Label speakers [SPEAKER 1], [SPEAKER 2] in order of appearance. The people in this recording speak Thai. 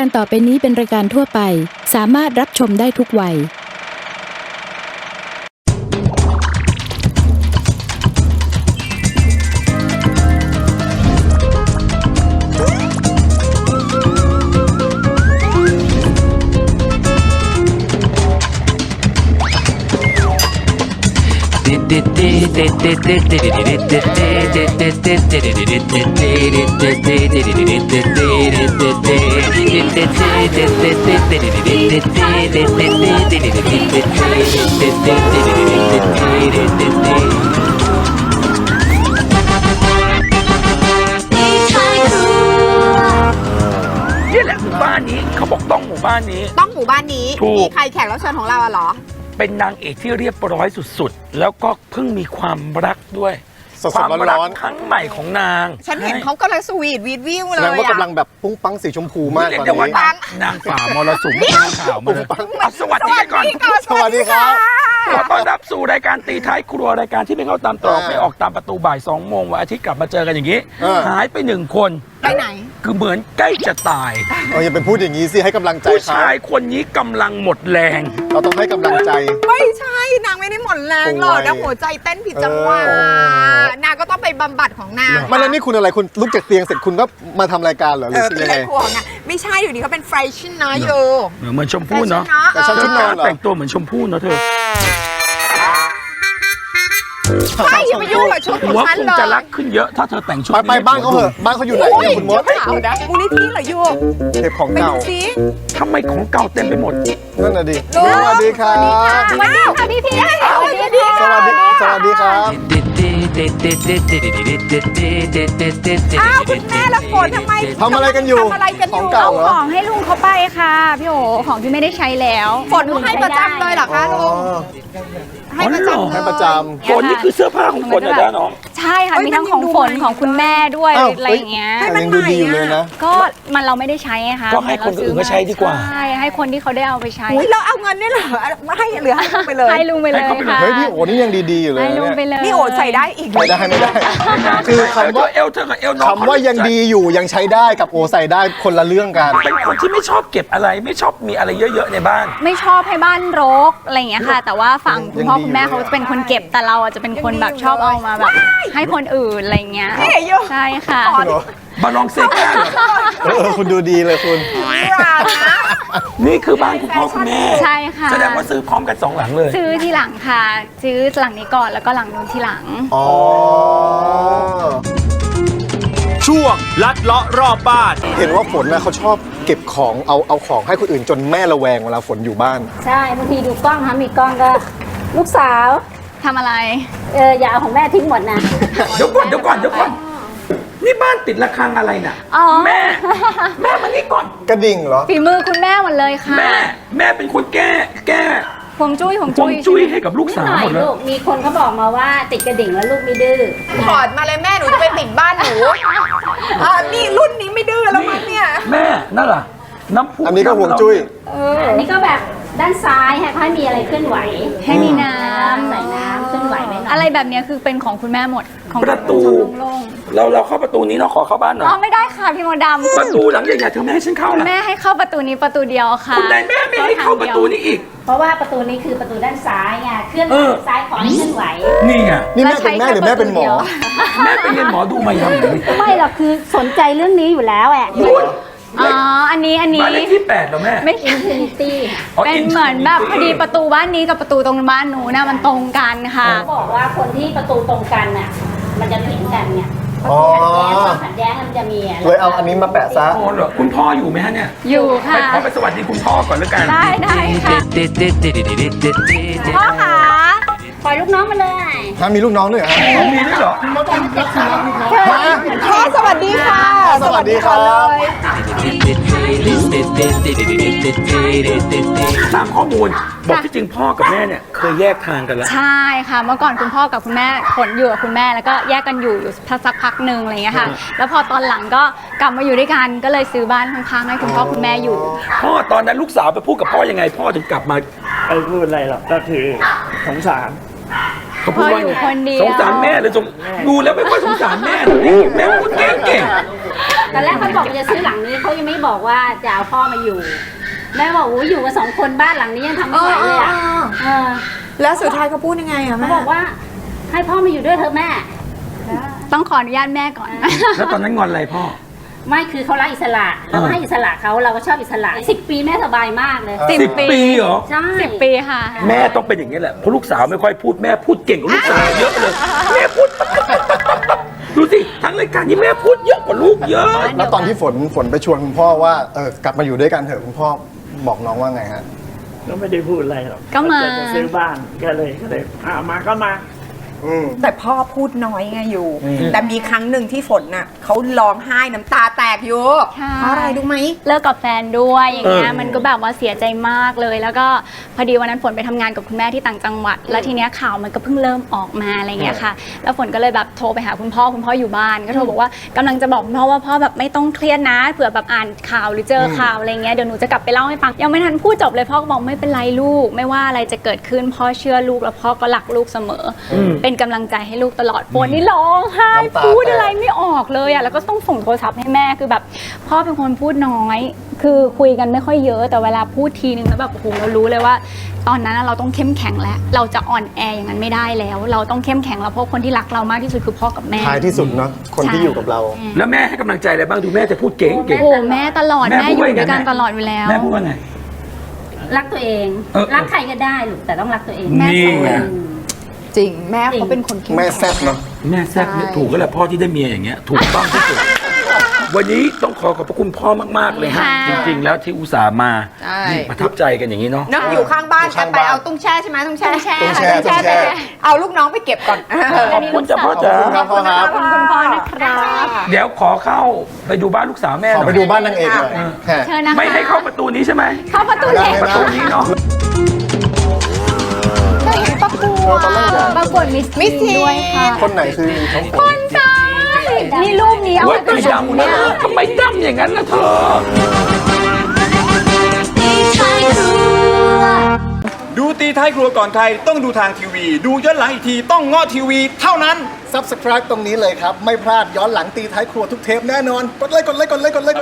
[SPEAKER 1] การต่อไปนี้เป็นรายการทั่วไปสามารถรับชมได้ทุกวัย
[SPEAKER 2] นี่แหละหมู่บ้านนี้เขาบอกต้องหมู่บ้านนี้
[SPEAKER 3] ต้องหมู่บ้านนี้
[SPEAKER 2] ถูก
[SPEAKER 3] มีใครแขกรับเชิญของเราอะเหรอ
[SPEAKER 2] เป็นนางเอกที่เรียบร้อยสุดๆแล้วก็เพิ่งมีความรักด้วย
[SPEAKER 4] สดๆ
[SPEAKER 2] ความรั
[SPEAKER 4] ร้อนๆ
[SPEAKER 2] ครั้งใหม่ของนาง
[SPEAKER 3] ฉันเห็นเขากำลังสวีทวีดวิว
[SPEAKER 4] แส
[SPEAKER 3] เล
[SPEAKER 4] ดง
[SPEAKER 3] ย
[SPEAKER 4] ว่ากำลั
[SPEAKER 3] อะ
[SPEAKER 4] งแบบปุ้งปังสีชมพูมาก
[SPEAKER 2] เรียก
[SPEAKER 4] ตอน
[SPEAKER 2] ได้ว่า
[SPEAKER 4] นี้
[SPEAKER 2] นางฝ่ามรสุมนางข่าวมาเลยเอาสวัสดีกันก่อน
[SPEAKER 4] สวัสดีครับ
[SPEAKER 2] ขอต้อนรับสู่รายการตีท้ายครัวรายการที่ไม่เข้าตามตรอก
[SPEAKER 4] อ่า
[SPEAKER 2] ไม่ออกตามประตูบ่าย2 โมงวันอาทิตย์กลับมาเจอกันอย่างนี้ หายไป1 คน
[SPEAKER 3] ไปไหน
[SPEAKER 2] คือเหมือนใกล้จะตาย
[SPEAKER 4] อย่าไปพูดอย่างนี้สิให้กำลังใจ
[SPEAKER 2] ผู้
[SPEAKER 4] เขา
[SPEAKER 2] ชายคนนี้กำลังหมดแรง
[SPEAKER 4] เราต้องให้กำลังใจ
[SPEAKER 3] ไม่ใช่นางไม่ได้หมดแรงหรอก
[SPEAKER 4] ป่วย
[SPEAKER 3] นะหัวใจเต้นผิดจังหวะ
[SPEAKER 4] เออ
[SPEAKER 3] นางก็ต้องไปบำบัดของนาง
[SPEAKER 4] ไม่แล้วนี่คุณอะไรคุณลุกจากเตียงเสร็จคุณก็มาทำรายการเหรอหรือ
[SPEAKER 3] เป็น
[SPEAKER 4] ยัง
[SPEAKER 3] ไร
[SPEAKER 4] ไง
[SPEAKER 3] ครัวของนางไม่ใช่อยู่ดีเขาเป็นแฟชั่นนะโย
[SPEAKER 2] เหมือนชมพู่เนาะ
[SPEAKER 4] แต่ฉันชุดนอนเหรอ
[SPEAKER 2] แต่งตัวเหมือนชมพู่เนาะเธอ
[SPEAKER 3] ไม่อย่าไปยุ่งกับชุดของ
[SPEAKER 2] หัว
[SPEAKER 3] ฉัน
[SPEAKER 2] คง
[SPEAKER 3] เลย
[SPEAKER 2] จะรักขึ้นเยอะถ้าเธอแต่งชุด
[SPEAKER 4] ไปบ้านเขาเหอะบ้านเขาอยู่ไหนเนี่ยคุณมด
[SPEAKER 3] เดี๋ยวข่าวนะมูลนิธิเหรอโย
[SPEAKER 4] เทปของ
[SPEAKER 3] ไป
[SPEAKER 4] เก่า
[SPEAKER 3] ดูสิ
[SPEAKER 2] ทำไมของเก่าเต็มไปหมด
[SPEAKER 4] นั่นน่ะดิ
[SPEAKER 3] ลูก
[SPEAKER 4] สวัสดีครับ
[SPEAKER 3] สวัสดีค่ะพี่พี่สวัสดีค่ะ
[SPEAKER 4] สวัสดีสวัสดีครับ
[SPEAKER 3] อ้าวคุณแม่ละฝนทำไม
[SPEAKER 4] ทำอะไรกันอยู่
[SPEAKER 3] ทำอะไรกันอ
[SPEAKER 4] ของ
[SPEAKER 3] ยู่
[SPEAKER 4] เก่าเหรอ
[SPEAKER 5] ของให้ลุงเขาไปค่ะพี่โอของที่ไม่ได้ใช้แล้ว
[SPEAKER 3] ฝนให้ประจำเลยเหรอคะลุงให้ประจำ
[SPEAKER 4] ให้ประจ
[SPEAKER 2] ฝนนี่คือเสื้อผ้าของฝนนะจ๊ะน้อง
[SPEAKER 5] ใช่ค่ะ
[SPEAKER 3] เอ้ย
[SPEAKER 5] มีทั้ง
[SPEAKER 3] มัน
[SPEAKER 5] ของ
[SPEAKER 3] ยังดู
[SPEAKER 5] ฝน
[SPEAKER 3] ใหม่
[SPEAKER 5] ของคุณแม่ด้วย
[SPEAKER 4] อ้าว
[SPEAKER 5] อะไรอย่างเงี้ย
[SPEAKER 4] ำยังดูดีอยู่เลยนะ
[SPEAKER 5] ก็มันเราไม่ได้ใช้ไงคะ
[SPEAKER 2] ก็ให้คนอื่นก็ใช้ดีกว่า
[SPEAKER 5] ใช่ให้คนที่เขาได้เอาไปใช้
[SPEAKER 3] อุ้ยเราเอาเงินนี่เหรอให้เหลือให้ลุงไปเลย
[SPEAKER 5] ให้ลุงไปเลยค่ะ
[SPEAKER 4] เฮ้ยพี่โอ้นี่ยังดีๆอยู่เลย
[SPEAKER 5] ให้
[SPEAKER 4] นะ
[SPEAKER 5] ลุงไป
[SPEAKER 4] เนี่ย
[SPEAKER 5] เลย
[SPEAKER 3] นี่โอดใส่ได้อีก
[SPEAKER 4] ไม่ได้ไม่ได้ คือคำว่า
[SPEAKER 2] เอลเธอกับเอลน้อง
[SPEAKER 4] คำว่ายังดีอยู่ยังใช้ได้กับโอใส่ได้คนละเรื่องกัน
[SPEAKER 2] เป็นคนที่ไม่ชอบเก็บอะไรไม่ชอบมีอะไรเยอะๆในบ้าน
[SPEAKER 5] ไม่ชอบให้บ้านรกอะไรอย่างเงี้ยค่ะ แต่ว่าฝั่งคุณพ่อคุณแม่เขาจะเป็นคนเก็บแต่เราจะเป็นคนแบบชอบเอามาแบบให้คนอื่นอะไรอย่างเงี้ยใช่ค่ะ
[SPEAKER 2] บาลองเซก้าเหรอ
[SPEAKER 4] คุณดูดีเลยคุณ
[SPEAKER 2] นี่คือบ้านคุณพ่อคุณแม่
[SPEAKER 5] ใช่ค่ะ
[SPEAKER 2] แสดงว่าซื้อพร้อมกัน2 หลังเลย
[SPEAKER 5] ซื้อทีหลังค่ะ ซื้อหลังนี้ก่อนแล้วก็หลังนู้นทีหลัง
[SPEAKER 4] อ๋อ
[SPEAKER 6] ช่วงลัดเลาะรอบบ้าน
[SPEAKER 4] เห็นว่าฝนนะเขาชอบเก็บของเอาของให้คนอื่นจนแม่ระแวงเวลาฝนอยู่บ้าน
[SPEAKER 7] ใช่บางทีดูกล้องมีกล้องก็ ลูกสาว
[SPEAKER 5] ทำอะไร
[SPEAKER 7] อย่าเอาของแม่ทิ้งหมดนะ
[SPEAKER 2] เดี๋ยวก่อนนี่บ้านติดระฆังอะไรน่ะ
[SPEAKER 5] อ๋อ
[SPEAKER 2] แม่มานี่ก่อน
[SPEAKER 4] กระดิ่งเหรอ
[SPEAKER 5] ฝีมือคุณแม่หมดเลยค่ะ
[SPEAKER 2] แม่เป็นคนแก้
[SPEAKER 5] ฮวงจุ้ย
[SPEAKER 2] ฮวงจุ้ยให้กับลูก
[SPEAKER 7] นิด
[SPEAKER 2] สาว
[SPEAKER 7] หน่อ
[SPEAKER 2] หม
[SPEAKER 7] ย
[SPEAKER 2] ดเลย
[SPEAKER 7] ลูก มีคนเขาบอกมาว่าติดกระดิ่งแล้วลูกไม่ดื้อ
[SPEAKER 3] ถอดมาเลยแม่หนูจะไปติดบ้านหนูนี่รุ่นนี้ไม่ดื้อแล้วมั้งเนี่ย
[SPEAKER 2] แม่นั่นล่ะน้ำพุ
[SPEAKER 4] อันนี้ก็ห่วงจุ้ย
[SPEAKER 7] อันนี้ก็แบบด้านซ้ายให้มีอะไรเคลื่อนไหว
[SPEAKER 5] ให้มีน้
[SPEAKER 7] ใส่น้ำเคลื่อนไหวไหม
[SPEAKER 5] ำอะไรแบบเนี้ยคือเป็นของคุณแม่หมดของ
[SPEAKER 2] ประตู
[SPEAKER 5] โล่ง
[SPEAKER 2] เราเข้าประตูนี้เนาะขอเข้าบ้านหน่
[SPEAKER 5] ๆ
[SPEAKER 2] อย
[SPEAKER 5] อ๋อไม่ได้ค่ะพี่โมดำ
[SPEAKER 2] ประตูหลังใหญ่ๆเธอไม่ให้ฉันเข้า
[SPEAKER 5] คุณ
[SPEAKER 2] ล่ะ
[SPEAKER 5] แม่ให้เข้าประตูนี้ประตูเดียวค่ะ
[SPEAKER 2] คุณนายแม่ไม่ให้เข้าประตูนี้อีก
[SPEAKER 7] เพราะว่าประตูนี้คือประตูด้านซ้ายไงเคลื่อนไหวซ้ายขอให้เคลื่อนไหว
[SPEAKER 2] นี่ไง
[SPEAKER 4] นี่แม่เป็นแม่หรือแม่เป็นหมอ
[SPEAKER 2] แม่ไปเรียนหมอดูมายังไง
[SPEAKER 7] ไม่หรอกคือสนใจเรื่องนี้อยู่แล้วแหละ
[SPEAKER 5] อ๋ออันนี้
[SPEAKER 2] บ้านเลขที่8เหรอแม่
[SPEAKER 5] ไม่ใช่
[SPEAKER 7] Infinity
[SPEAKER 5] เป็นเหมือนแบบพอดีประตูบ้านนี้กับประตูตรงบ้านหนูนะมันตรงกันค่ะ
[SPEAKER 7] เขาบอกว่าคนที่ประตูตรงกันน่ะมันจะถึงกันเนี่ย
[SPEAKER 4] อ๋อ
[SPEAKER 7] ขัดแย้งมันจะมีะ
[SPEAKER 4] เลยเอาอันนี้มาแปะซะ
[SPEAKER 2] โอ้เหรอคุณพ่ออยู่ไหมฮะเนี่ย
[SPEAKER 5] อยู่ค่ะ
[SPEAKER 2] ขอไปสวัสดีคุณพ่อก่อนแล้วกัน
[SPEAKER 5] ได้ค่ะพ่อคะ
[SPEAKER 7] ปล่อยลูกน้องมาเลย
[SPEAKER 4] ถ้ามีลูกน้องด้วยเหรอฮะ
[SPEAKER 2] อ๋อมีด้วยเหรอ
[SPEAKER 3] พ่อสวัสดีค่ะ
[SPEAKER 4] สวัสดีครับ
[SPEAKER 2] ตามข้อมูลบอกที่จริงพ่อกับแม่เนี่ยเคยแยกทางกันแล้ว
[SPEAKER 5] ใช่ค่ะเมื่อก่อนคุณพ่อกับคุณแม่ขนอยู่กับคุณแม่แล้วก็แยกกันอยู่สักพักหนึ่งอะไรอย่างเงี้ยค่ะ แล้วพอตอนหลังก็กลับมาอยู่ด้วยกันก็เลยซื้อบ้านข้างๆให้คุณพ่อคุณแม่อยู่
[SPEAKER 2] พ่อตอนนั้นลูกสาวไปพูดกับพ่อยังไง พ่อถึงกลับมา
[SPEAKER 6] ไม่พูดอะไรหรอกก็คือสงสาร
[SPEAKER 2] เขาพูดว่า
[SPEAKER 5] พ่ออยู่คนเดียว
[SPEAKER 2] สงสารแม่เลยดูแล้วไม่ค่อยสงสารแม่เลยแม่พูดเก่ง
[SPEAKER 7] ตอนแรกเขาบอกจะซื้อหลังนี้เขายังไม่บอกว่าจะเอาพ่อมาอยู่แม่บอกโอ้อยู่กัน2 คนบ้านหลังนี้ยังทำไม่ไหวเลยอ่ะ
[SPEAKER 3] แล้วสุดท้ายเขาพูดยังไงอะ
[SPEAKER 7] เขา
[SPEAKER 3] แม่
[SPEAKER 7] บอกว่าให้พ่อมาอยู่ด้วยเถอะแม่
[SPEAKER 5] ต้องขออนุญาตแม่ก่อน
[SPEAKER 2] แล้วตอนนั้นงอนอะไรพ่อ
[SPEAKER 7] ไม่คือเขารักอิสระเราก็ให้อิสระเขาเราก็ชอบอิสระ10 ปีแม่สบายมากเลย
[SPEAKER 2] 10 ปีเหรอ
[SPEAKER 7] ใช่
[SPEAKER 5] 10 ปีค่ะ
[SPEAKER 2] แม่ต้องเป็นอย่างนี้แหละเพราะลูกสาวไม่ค่อยพูดแม่พูดเก่งกว่าลูกสาวเยอะเลยแม่พูดดูสิทั้งรายการนี้แม่พูดเยอะกว่าลูกเยอะ
[SPEAKER 4] แล้วตอนที่ฝนไปชวนคุณพ่อว่ากลับมาอยู่ด้วยกันเถอะคุณพ่อบอกน้องว่าไงฮะ
[SPEAKER 6] ก็ไม่ได้พูดอะไรหรอก
[SPEAKER 5] ก็มา
[SPEAKER 6] จะซื้อบ้านก็เลยมาก็มา
[SPEAKER 3] แต่พ่อพูดน้อยไงอยู่ แต่มีครั้งหนึ่งที่ฝนน่ะเขาร้องไห้น้ำตาแตกอยู่
[SPEAKER 5] ใช่
[SPEAKER 3] เพราะอะไรรู้ไหม
[SPEAKER 5] เลิกกับแฟนด้วยอย่างเงี้ย
[SPEAKER 2] เออ
[SPEAKER 5] มันก็แบบว่าเสียใจมากเลย แล้วก็พอดีวันนั้นฝนไปทำงานกับคุณแม่ที่ต่างจังหวัด แล้วทีเนี้ยข่าวมันก็เพิ่งเริ่มออกมาอะไรเงี้ยค่ะ แล้วฝนก็เลยแบบโทรไปหาคุณพ่ออยู่บ้านก็โทรบอกว่ากำลังจะบอกคุณพ่อว่าพ่อแบบไม่ต้องเครียดนะเผื่อแบบอ่านข่าวหรือเจอข่าวอะไรเงี้ยเดี๋ยวหนูจะกลับไปเล่าให้ฟังยังไม่ทันพูดจบเลยพ่อก็บอกไม่เป็นไรลูกไม่ว่าอะไรจะเกิดขึ้นพ่อเชื่อลูกแล้วพ่อก็รักลูกเสมออเป็นกำลังใจให้ลูกตลอดฝนนี่ร้องไห้
[SPEAKER 4] น้ำตา
[SPEAKER 5] พูด
[SPEAKER 4] แตก
[SPEAKER 5] อะไรไม่ออกเลยอ่ะแล้วก็ต้องส่งโทรศัพท์ให้แม่คือแบบพ่อเป็นคนพูดน้อย คือคุยกันไม่ค่อยเยอะแต่เวลาพูดทีนึงแล้วแบบโอ้โหเรารู้เลยว่า ตอนนั้นเราต้องเข้มแข็งแล้วเราจะอ่อนแออย่างนั้นไม่ได้แล้ว เราต้องเข้มแข็งแล้วเพราะคนที่รักเรามากที่สุดคือพ่อกับแม่
[SPEAKER 4] ท้ายที่สุดเนาะคนที่อยู่กับเรา
[SPEAKER 2] แล้วแม่ให้กำลังใจอะไรบ้างดูแม่จะพูดเก่ง
[SPEAKER 5] โอ้โหแม่ตลอด
[SPEAKER 2] แม่
[SPEAKER 5] แม่
[SPEAKER 2] พู
[SPEAKER 5] อ
[SPEAKER 2] ดว่า
[SPEAKER 5] ยู่ด้วยกัน
[SPEAKER 2] ไง
[SPEAKER 5] ตลอดอยู่แล้ว
[SPEAKER 2] แม่พูดว่าไง
[SPEAKER 7] รักตัวเอง รักใครก็ได้ลูกแต่ต้องรักตัวเอง
[SPEAKER 2] นี่ไง
[SPEAKER 3] จริงแม่เขาเป็นคนเข้ม
[SPEAKER 4] แม่
[SPEAKER 3] แข็ง
[SPEAKER 4] แซ่บเนาะ
[SPEAKER 2] แม่แซ่บเนี่ยถูกก็แหละพ่อที่ได้เมียอย่างเงี้ยถูกต้องที่สุด วันนี้ต้องขอบพระคุณพ่อมากๆเลยฮะ
[SPEAKER 5] ค่ะ
[SPEAKER 2] จริงๆแล้วที่อุตส่าห์มา
[SPEAKER 3] ใช่
[SPEAKER 2] นี่ประทับใจกันอย่างนี้เนาะ
[SPEAKER 3] เนาะอยู่ข้างบ้าน
[SPEAKER 4] อยู่ข้าง
[SPEAKER 3] ไป
[SPEAKER 4] บ้าน
[SPEAKER 3] เอาตุ้งแช่ใช่ไหมตุ้งแช่
[SPEAKER 4] ตุ้งแช่
[SPEAKER 3] ค่ะ
[SPEAKER 4] ตุ้งแช่
[SPEAKER 3] เอาลูกน้องไปเก็บก่อน
[SPEAKER 2] ขอบคุณจ้าพ่อจ๋า
[SPEAKER 4] ขอบคุณครับพ่อครับ
[SPEAKER 5] ขอบคุณคุณพ่อนะครับ
[SPEAKER 2] เดี๋ยวขอเข้าไปดูบ้านลูกสาวแม่ห
[SPEAKER 4] ข
[SPEAKER 2] น่
[SPEAKER 4] อ
[SPEAKER 2] อย
[SPEAKER 4] ไปดูบ้านนางเอกหน่อยฮะ
[SPEAKER 5] เชิญนะคะ
[SPEAKER 2] ไม่ให้เข้าประตูนี้ใช่ไหม
[SPEAKER 5] เข้าประตูเล็ก
[SPEAKER 2] ประตูนี้เนาะ
[SPEAKER 3] ได้เห็นประกวด
[SPEAKER 4] ตอนแรกอยาก
[SPEAKER 5] ประกวดมิส
[SPEAKER 3] มิสทีน
[SPEAKER 5] ด้วยค่ะ
[SPEAKER 4] คนไหนคือน้องฝน
[SPEAKER 5] ใช่นี่รูปนี้เอา
[SPEAKER 2] เว้ย
[SPEAKER 5] ไว้
[SPEAKER 2] ไม่ดำนะทำไมดำอย่างนั้นล่ะเธอ
[SPEAKER 8] ดูตีท้ายครัวก่อนใครต้องดูทางทีวี ดูย้อนหลังอีกทีต้องเงาะทีวีเท่านั้น
[SPEAKER 4] Subscribe ตรงนี้เลยครับ ไม่พลาดย้อนหลังตีท้ายครัวทุกเทปแน่นอน กดไลค์